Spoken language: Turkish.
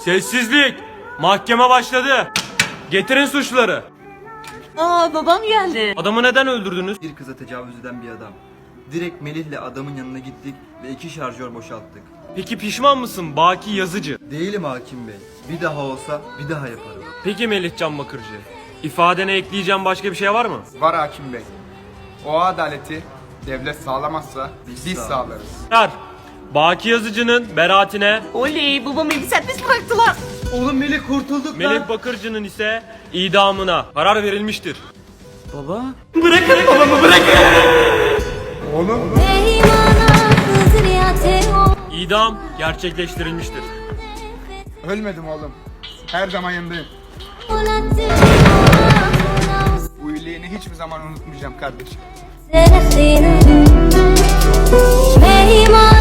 Sessizlik. Mahkeme başladı. Getirin suçları. Aa, babam geldi. Adamı neden öldürdünüz? Bir kıza tecavüz eden bir adam. Direkt Melih'le adamın yanına gittik ve 2 şarjör boşalttık. Peki pişman mısın Baki Yazıcı? Değilim hakim bey. Bir daha olsa bir daha yaparım. Peki Melihcan Bakırcı, ifadene ekleyeceğim başka bir şey var mı? Var hakim bey. O adaleti devlet sağlamazsa biz sağ- sağlarız. Ver. Baki Yazıcı'nın beraatine, Oley, babamı serbest bıraktılar. Oğlum Melih kurtulduk Melih Bakırcı'nın ise idamına karar verilmiştir. Baba. Oğlum İdam gerçekleştirilmiştir. ölmedim oğlum. Her zaman yanındayım. Bu iyiliğini hiçbir zaman unutmayacağım kardeşim. Mehima